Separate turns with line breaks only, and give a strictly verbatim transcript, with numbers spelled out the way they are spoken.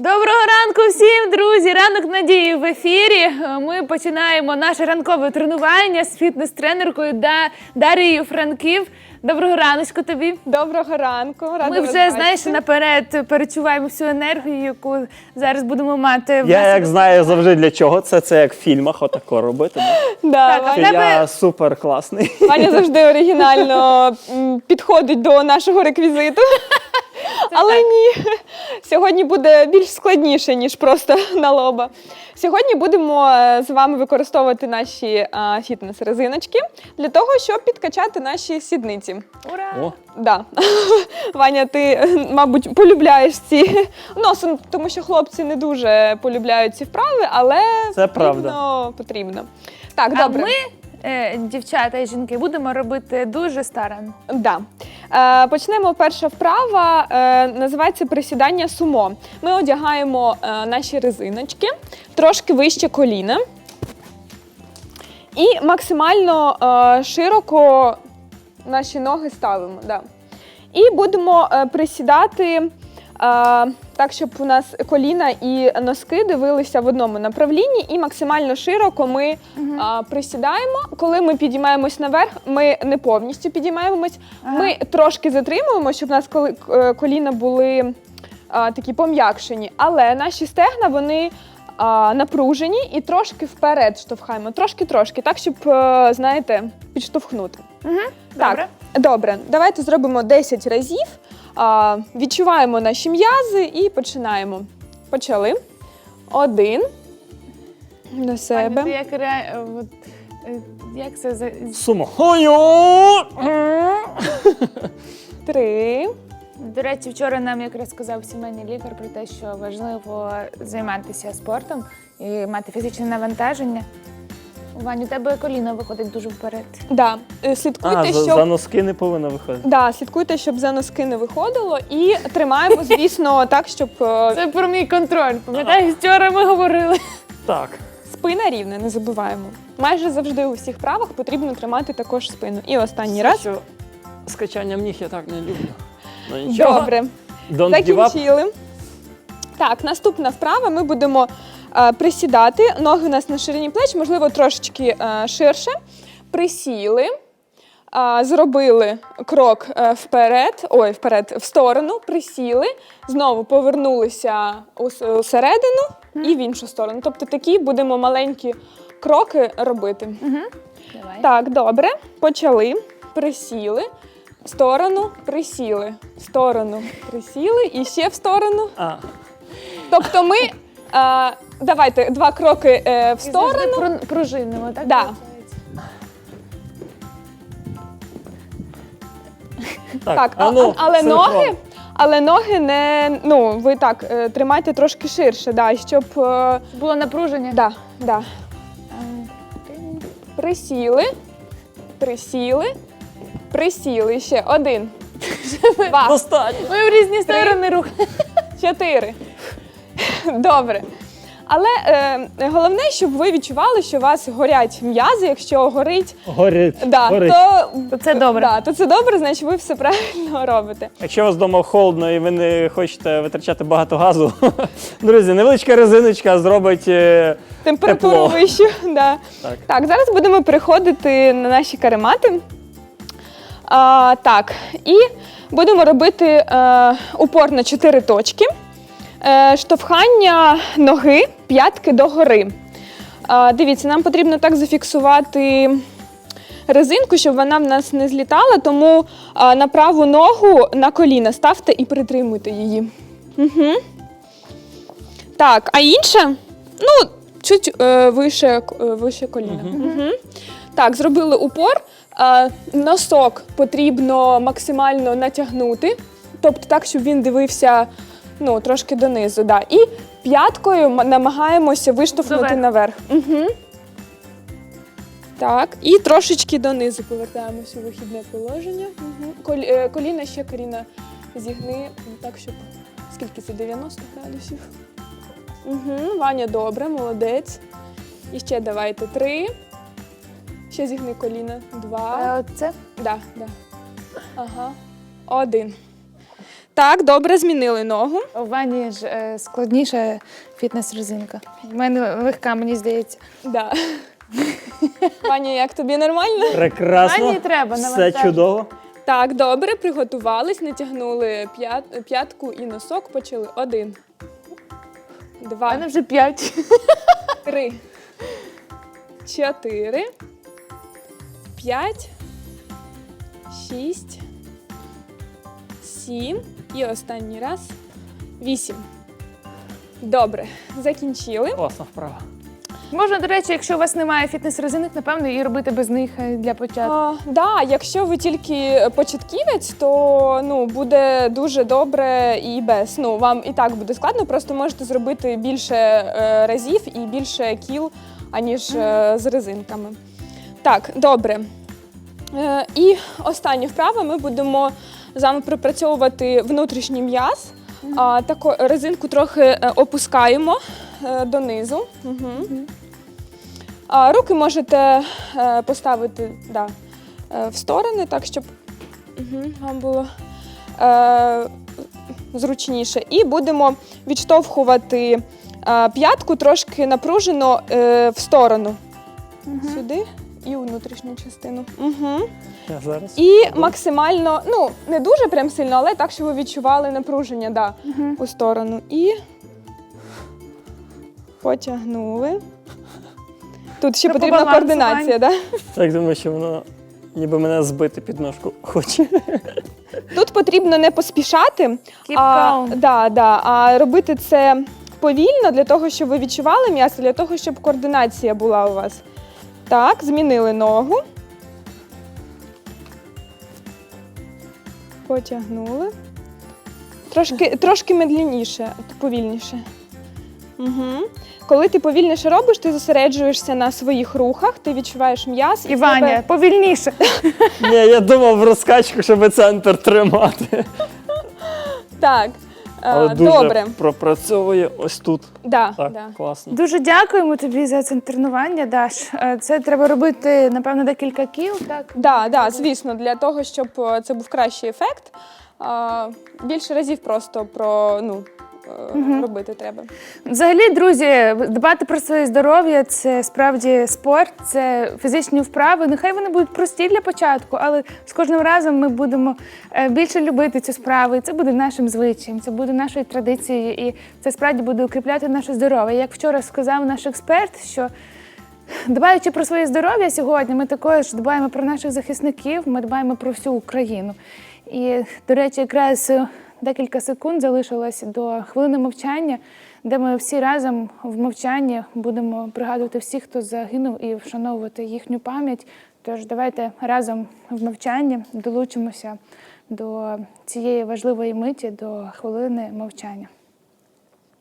Доброго ранку всім, друзі! Ранок надії в ефірі. Ми починаємо наше ранкове тренування з фітнес-тренеркою Да- Дарією Франків. Доброго раночку тобі.
Доброго ранку. Рада
Ми
вас
вже,
бачити.
знаєш, наперед перечуваємо всю енергію, яку зараз будемо мати. в
Я
нас.
як знаю завжди для чого. Це це як в фільмах, отако робити.
Да,
Так, а
Ваня,
в тебе-
Я супер класний.
Ваня завжди оригінально м, підходить до нашого реквізиту. Але ні, сьогодні буде більш складніше, ніж просто на лоба. Сьогодні будемо е, з вами використовувати наші е, фітнес-резиночки для того, щоб підкачати наші сідниці.
Ура!
О,
Да. Ваня, ти, е, мабуть, полюбляєш ці носом, тому що хлопці не дуже полюбляють ці вправи, але
Це
потрібно. потрібно. Так,
А
добре.
ми, е, дівчата і жінки, будемо робити дуже старанно.
Да. Е, почнемо. Перша вправа е, називається присідання сумо. Ми одягаємо е, наші резиночки трошки вище коліна і максимально е, широко наші ноги ставимо. Да. І будемо е, присідати е, так, щоб у нас коліна і носки дивилися в одному направлінні, і максимально широко ми е, присідаємо. Коли ми підіймаємось наверх, ми не повністю підіймаємось,
Ага.
ми трошки затримуємо, щоб у нас коли- е, коліна були е, такі пом'якшені, але наші стегна, вони а, напружені і трошки вперед штовхаємо, трошки-трошки, так, щоб, е, знаєте, підштовхнути.
Угу.
Так,
Добре.
добре. Давайте зробимо десять разів. А, відчуваємо наші м'язи і починаємо. Почали. Один. До
Аня,
себе.
ти як, ре... от, е, як це за...
сумо. Ой-о!
Три.
До речі, вчора нам якраз сказав сімейний лікар про те, що важливо займатися спортом і мати фізичне навантаження. Вань, у тебе коліно виходить дуже вперед.
Да. Е, Слідкуйте,
А, за,
щоб...
за носки не повинно виходити.
Да, слідкуйте, щоб за носки не виходило. І тримаємо, звісно, так, щоб е,
Це про мій контроль. Пам'ятаєш, вчора ми говорили.
Так.
спина рівна, не забуваємо. Майже завжди у всіх правах потрібно тримати також спину. І останній раз.
Що з качанням ніг я так не люблю. Ну нічого.
Добре.
Don't give up.
Закінчили. Так, наступна вправа. Ми будемо е, присідати. Ноги у нас на ширині плеч, можливо, трошечки е, ширше. Присіли, е, зробили крок е, вперед, ой, вперед, в сторону, присіли, знову повернулися у, с- у середину і в іншу сторону. Тобто такі будемо маленькі кроки робити.
Давай.
Так, добре. Почали. Присіли. В сторону, присіли. В сторону, присіли. І ще в сторону.
А,
Тобто ми, е, давайте, два кроки е, в
І завжди
сторону.
пру- пружинимо, так?
Да.
виходить?
так.
Так,
а
а-
ну,
але
синхрон.
ноги, але ноги не, ну, ви так, е, тримайте трошки ширше, да, щоб, е,
Було напруження.
да, да.
А, ти-
Присіли, присіли, присіли. Ще один, два,
Достатньо.
Ми в різні сторони рух.
чотири. Добре. Але е, головне, щоб ви відчували, що у вас горять м'язи. Якщо горить,
Горить.
да,
Горить.
то,
То це добре.
Да, то це добре, значить ви все правильно робите.
Якщо у вас вдома холодно і ви не хочете витрачати багато газу, друзі, невеличка резиночка зробить е,
Температуру
тепло.
вищу. Да.
Так.
Так, зараз будемо переходити на наші каремати. А, так, і будемо робити е, упор на чотири точки. Е, штовхання ноги, п'ятки догори. Е, дивіться, нам потрібно так зафіксувати резинку, щоб вона в нас не злітала, тому е, на праву ногу на коліна ставте і притримуйте її. Угу. Так, а інша, ну, чуть е, вище, е, вище коліна. Угу. Так, зробили упор. Е, носок потрібно максимально натягнути, тобто так, щоб він дивився, ну, трошки донизу. Да. І п'яткою м- намагаємося виштовхнути
Доверху.
наверх. Угу. Так, і трошечки донизу повертаємося у вихідне положення. Угу. Кол, е, коліна ще Каріна зігни, так, щоб, скільки це, дев'яносто градусів. Угу. Ваня, добре, молодець. І ще давайте три. Ще зігни коліна. Два.
Е, Оце?
Да, да. Ага. Один. Так, добре, змінили ногу.
У Вані ж е, складніша фітнес-резинка. У мене легка, мені здається.
Да. Ваня, як тобі нормально?
Прекрасно.
Мені треба
Все
навантажити.
чудово.
Так, добре, приготувались, натягнули п'ят- п'ятку і носок, почали. Один,
У
два,
мене вже п'ять.
три, чотири, п'ять, шість, сім і останній раз вісім. Добре, закінчили.
Класна вправа.
Можна, до речі, якщо у вас немає фітнес-резинок, напевно, і робити без них е, для початку.
А, да, якщо ви тільки початківець, то ну, буде дуже добре і без. Ну, вам і так буде складно, просто можете зробити більше е, разів і більше кіл, аніж е, з резинками. Так, добре. Е, і остання вправа, ми будемо з вами пропрацьовувати внутрішній м'яз. А, таку резинку трохи е, опускаємо е, донизу. Угу. А, руки можете е, поставити да, е, в сторони, так, щоб угу, вам було е, зручніше. І будемо відштовхувати е, п'ятку трошки напружено е, в сторону.
Угу.
Сюди і у внутрішню частину. Угу.
Я зараз.
І максимально, ну, не дуже прям сильно, але так, щоб ви відчували напруження, да,
Угу.
у сторону. І потягнули. Тут ще
Це по
потрібна
балансу,
координація, да?
Так думаю, що воно ніби мене збити під ножку хоче.
Тут потрібно не поспішати,
Keep
а,
calm.
да, да, а робити це повільно для того, щоб ви відчували м'ясо, для того, щоб координація була у вас. Так, змінили ногу. Потягнули. Трошки, трошки медленніше, повільніше. Угу. Коли ти повільніше робиш, ти зосереджуєшся на своїх рухах, ти відчуваєш м'яз.
І Ваня, повільніше.
Ні, я думав в розкачку, щоб центр тримати.
Так,
Але
а,
дуже
добре.
пропрацьовує ось тут.
Да,
Так,
да.
класно.
Дуже дякуємо тобі за це тренування, Даш. Е, Це треба робити, напевно, декілька кіл, так?
Да, да, звісно, для того, щоб е, це був кращий ефект, а, більше разів просто про, ну, е, робити треба.
Взагалі, друзі, дбати про своє здоров'я – це справді спорт, це фізичні вправи. Нехай вони будуть прості для початку, але з кожним разом ми будемо е, більше любити цю справу. І це буде нашим звичаєм, це буде нашою традицією, і це справді буде укріпляти наше здоров'я. Як вчора сказав наш експерт, що дбаючи про своє здоров'я сьогодні, ми також дбаємо про наших захисників, ми дбаємо про всю Україну. І, до речі, якраз декілька секунд залишилось до хвилини мовчання, де ми всі разом в мовчанні будемо пригадувати всіх, хто загинув, і вшановувати їхню пам'ять. Тож давайте разом в мовчанні долучимося до цієї важливої миті, до хвилини мовчання.